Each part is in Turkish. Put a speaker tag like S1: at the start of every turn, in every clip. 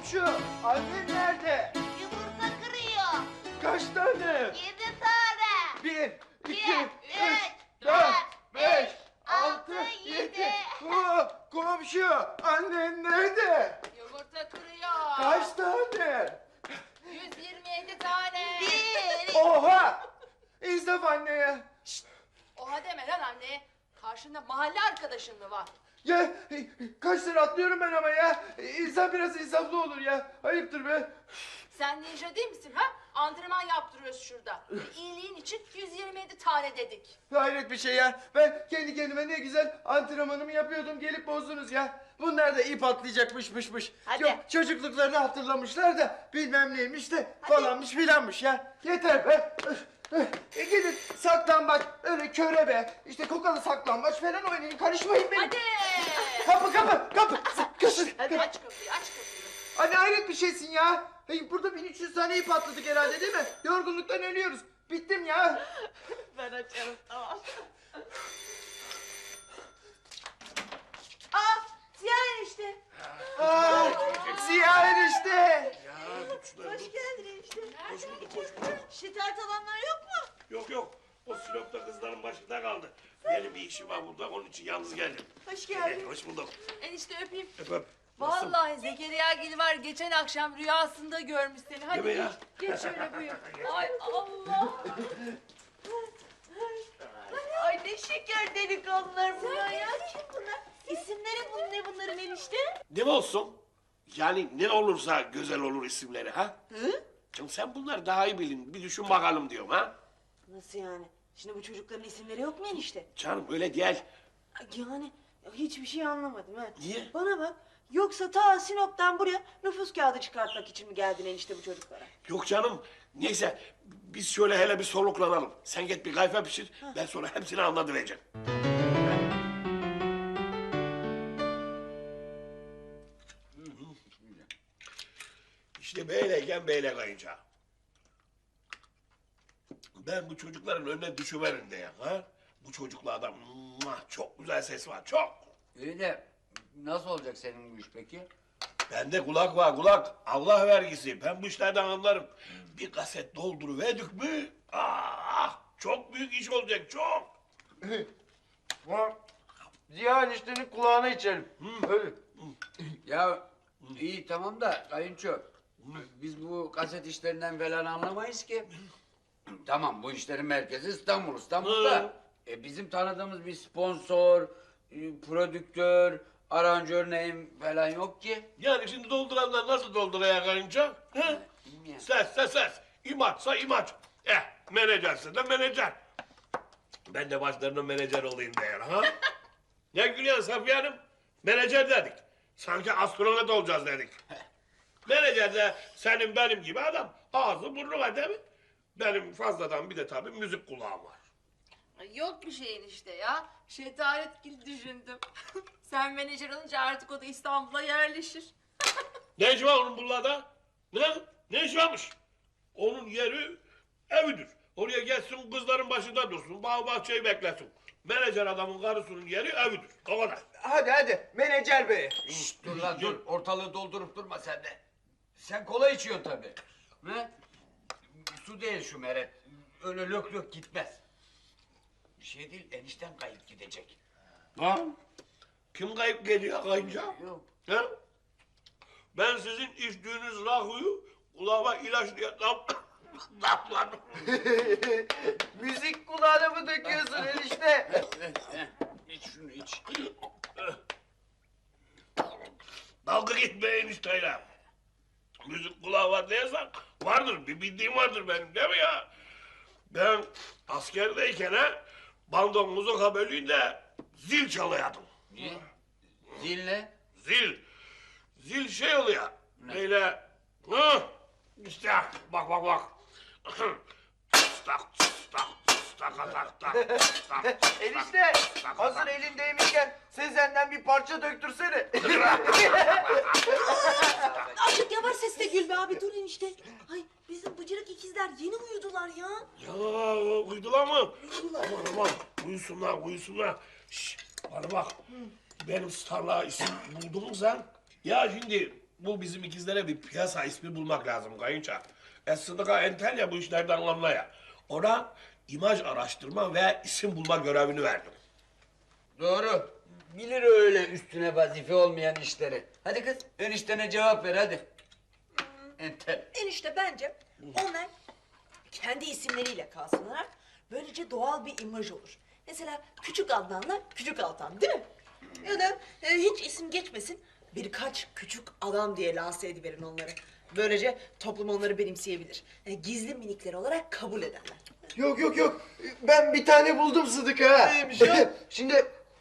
S1: Komşu, annen nerede?
S2: Yumurta kırıyor.
S1: Kaç tane?
S2: 7 tane.
S1: 1, 2, 3, 4,
S2: 4,
S1: 5,
S2: 6,
S1: 6, 7.
S2: 7.
S1: Komşu, annen nerede?
S3: Yumurta kırıyor.
S1: Kaç tane?
S3: 127 tane.
S2: 1.
S1: Oha! İnsaf anneye.
S3: Oha deme lan anne. Karşında mahalle arkadaşın mı var?
S1: Ya kaç sene atlıyorum ben ama ya. İnsan biraz insaflı olur ya. Ayıptır be.
S3: Sen ninja değil misin ha? Antrenman yaptırıyoruz şurada. İyiliğin için 127 tane dedik.
S1: Hayret bir şey ya. Ben kendi kendime ne güzel antrenmanımı yapıyordum. Gelip bozdunuz ya. Bunlar da ip atlayacakmışmış.
S2: Hadi.
S1: Yok çocukluklarını hatırlamışlar da bilmem neymiş de falanmış filanmış ya. Yeter be. Gidin saklambaç, öyle körebe, işte kokalı saklambaç falan oynayın. Karışmayın benim.
S3: Hadi.
S1: Kapı. Kaçın.
S3: Hadi aç kapıyı, aç kapıyı.
S1: Anne hayret bir şeysin ya. Burada 1300 tane ip atladık herhalde değil mi? Yorgunluktan ölüyoruz. Bittim ya.
S2: Ben açarım, tamam. Ziya enişte.
S1: Ziya enişte.
S2: Hoş geldin enişte. Hoş bulduk. Şitayet alanlar yok mu?
S4: Yok. O Sinop'ta kızların başında kaldı. Benim bir işim var burada. Onun için yalnız geldim.
S2: Hoş geldin.
S4: Hoş bulduk.
S3: Enişte öpeyim.
S4: Öpöp.
S3: Vallahi Zekeriya Gil var geçen akşam rüyasında görmüş seni. Hadi
S4: Değil mi ya?
S3: geç şöyle buyur. Ay Allah.
S2: Ay ne şeker delikanlılar bunlar ya. Kim bunlar? İsimleri ne bunların enişte?
S4: Ne olsun? Yani ne olursa güzel olur isimleri ha?
S2: Hı?
S4: Canım sen bunları daha iyi bilin. Bir düşün bakalım diyorum ha?
S2: Nasıl yani? Şimdi bu çocukların isimleri yok mu enişte?
S4: Canım öyle değil.
S2: Yani hiçbir şey anlamadım ha.
S4: Niye?
S2: Bana bak. Yoksa ta Sinop'tan buraya nüfus kağıdı çıkartmak için mi geldin enişte bu çocuklara?
S4: Yok canım. Neyse biz şöyle hele bir soluklanalım. Sen git bir kayfa pişir. Ben sonra hepsini anlatıvereceğim. İşte böyleyken böyle kayınca. Ben bu çocukların önüne düşüverim diye ha. Bu çocuklardan çok güzel ses var çok.
S5: İyi de nasıl olacak senin bu iş peki?
S4: Bende kulak var kulak. Allah vergisi. Ben bu işlerden anlarım. Bir kaset dolduruverdik mi? Çok büyük iş olacak çok.
S1: Ziya eniştenin kulağına içelim. Öyle.
S5: Ya iyi tamam da kayınço. Biz bu kaset işlerinden falan anlamayız ki. Tamam bu işlerin merkezi İstanbul. İstanbul'da bizim tanıdığımız bir sponsor, prodüktör, aranjör neyim falan yok ki.
S4: Yani şimdi dolduranlar nasıl dolduraya karınca?
S5: Bilmiyorum.
S4: Ses. İmaçsa imaç. Menajerse de menajer. Ben de başlarına menajer olayım değer ha? Ne gülüyorsun Safiye Hanım? Menajer dedik. Sanki astronot olacağız dedik. Menajer de senin benim gibi adam. Ağzı burnu var değil mi? Benim fazladan bir de tabii müzik kulağım var.
S3: Ay, yok bir şey enişte ya. Şetaret Gil düşündüm. Sen menajer olunca artık o da İstanbul'a yerleşir.
S4: Ne işi var onun bunlarda? Ne işi varmış? Onun yeri evidir. Oraya geçsin kızların başında dursun. Bağ bahçeyi beklesin. Menajer adamın karısının yeri evidir. O kadar.
S1: Hadi menajer bey.
S5: Şşt, dur lan dur ortalığı doldurup durma sen de. Sen kola içiyorsun tabii. Ne? Su değil şu meret. Öyle lök gitmez. Bir şey değil enişten kayıp gidecek.
S4: Ha? Kim kayıp geliyor kayınca?
S5: Yok.
S4: Ha? Ben sizin içtiğiniz rahuyu kulağıma ilaç diye damladım.
S1: Müzik kulağına mı döküyorsun enişte?
S5: İç şunu iç.
S4: Dalga gitmeyin enişteyle. Müzik kulağı var diyorsan vardır. Bir bildiğim vardır benim değil mi ya? Ben askerdeyken bando muzuka bölüğünde zil çalıyordum.
S5: Niye? Zil ne?
S4: Zil şey oluyor. Böyle işte bak. Tak tak.
S1: Enişte hazır elindeymişken Sezen'den bir parça döktürsene.
S2: Azıcık yavaş sesle Gül be abi dur enişte. Ay bizim bıcırık ikizler yeni uyudular ya.
S4: Ya uydular mı? Aman uyusunlar. Şşş bana bak. Benim starlığa isim buldun mu sen? Ya şimdi bu bizim ikizlere bir piyasa ismi bulmak lazım kayınça. Sıdıka entel ya bu işlerden anlaya. Ona imaj araştırma ve isim bulma görevini verdim.
S5: Doğru. Bilir öyle üstüne vazife olmayan işleri. Hadi kız eniştene cevap ver hadi. Entel.
S2: Enişte bence onlar kendi isimleriyle kalsınlar. Böylece doğal bir imaj olur. Mesela Küçük Adnan'la Küçük Altan değil mi? Ya da hiç isim geçmesin. Birkaç küçük adam diye lanse ediverin onları. Böylece toplum onları benimseyebilir. Gizli minikler olarak kabul ederler.
S1: Yok yok yok. Ben bir tane buldum Sıdıka.
S2: Neymiş o?
S1: Şimdi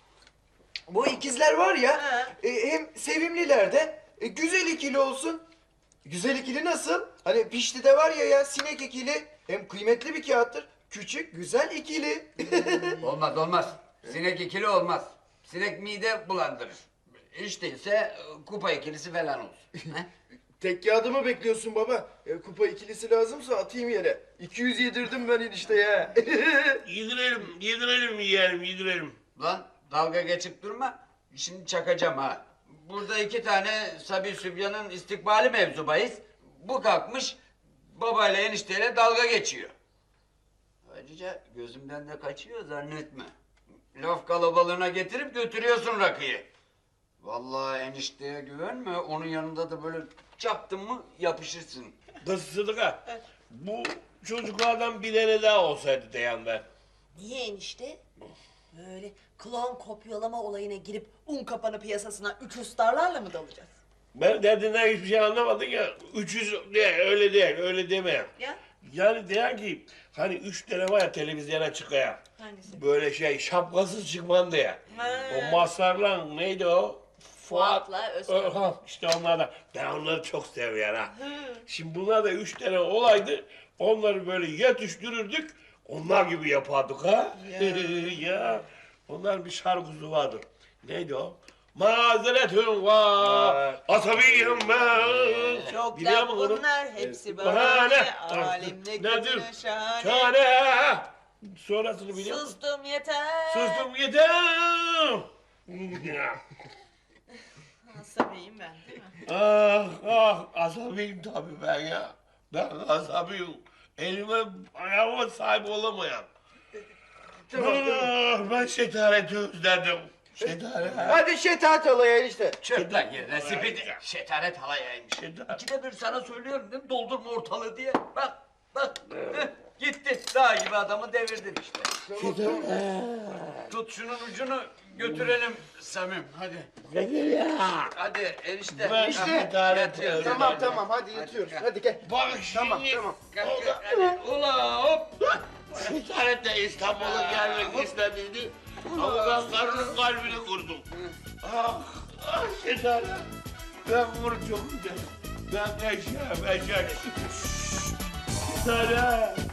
S1: bu ikizler var ya
S2: Ha.
S1: hem sevimliler de güzel ikili olsun. Güzel ikili nasıl? Hani Pişti'de var ya sinek ikili hem kıymetli bir kağıttır. Küçük güzel ikili.
S5: Olmaz olmaz. Sinek ikili olmaz. Sinek mide bulandırır. Hiç değilse kupa ikilisi falan olsun. He?
S1: Tek kağıdımı bekliyorsun baba. Kupa ikilisi lazımsa atayım yere. 200 yedirdim ben enişte ya.
S4: Yedirelim, yedirelim yiyelim, yedirelim.
S5: Lan dalga geçip durma. Şimdi çakacağım ha. Burada 2 tane Sabi Sübyan'ın istikbali mevzu bahis. Bu kalkmış babayla enişteyle dalga geçiyor. Ayrıca gözümden de kaçıyor zannetme. Laf kalabalığına getirip götürüyorsun rakıyı. Vallahi enişteye güvenme. Onun yanında da böyle çaptın mı yapışırsın.
S4: Kız Sıdıka, bu çocuklardan bir tane daha olsaydı diyen ben.
S2: Niye enişte? Böyle klon kopyalama olayına girip un kapanı piyasasına 300 starlarla mı dalacağız?
S4: Ben derdinden hiçbir şey anlamadım ya. 300 değil, öyle değil, öyle deme.
S2: Ya?
S4: Yani diyen ki, hani 3 tane var ya televizyona çıkaya.
S2: Hangisi?
S4: Böyle şapkasız çıkman diye.
S2: Ha.
S4: O Mazhar'la neydi o?
S2: Fuat'la Özkan.
S4: Ha, işte onlardan. Ben onları çok seviyorum ha. Şimdi bunlar da 3 tane olaydı. Onları böyle yetiştirirdik. Onlar gibi yapardık ha. Ya. Onlar bir şarkısı vardır. Neydi o? Mazeretüm var, asabiyim ben.
S2: Çok
S4: Biliyor
S2: da
S4: musun onu?
S2: bunlar hepsi
S4: Bahane.
S2: bahane. Alemde
S4: Nedir?
S2: kötüne şahane.
S4: Şahane. Sonrasını biliyor musun?
S2: Sustum yeter.
S4: Sustum yeter.
S2: Asabiyim ben değil mi?
S4: Ah ah asabiyim tabii ben ya. Ben asabiyim. Elime ayağıma sahip olamayan. Ah, ben şetareti özledim. Şetaret.
S1: Hadi şetat alaya enişte.
S5: Çöp lan yerine spidi. Şetaret halayaymış.
S4: Şetaret.
S5: İkide bir sana söylüyorum değil mi? Doldurma ortalığı diye. Bak bak. Heh, gitti. Dağ gibi adamı devirdin işte. Tut şunun ucunu götürelim Samim. Hadi. Hadi enişte.
S4: Ben
S5: Ah,
S4: şetaret
S5: yatıyor.
S4: özledim.
S1: Tamam hadi yatıyoruz. Hadi gel.
S4: Bak şimdi.
S1: Tamam.
S5: Kalk, kalk, hadi. Ula hop.
S4: Şetaret de İstanbul'a gelmek istediydi. Ama ben karının kalbini kurdum. Ah, ah şetaret. Ben bunu çok güzel. Ben eşeğim. Şetaret.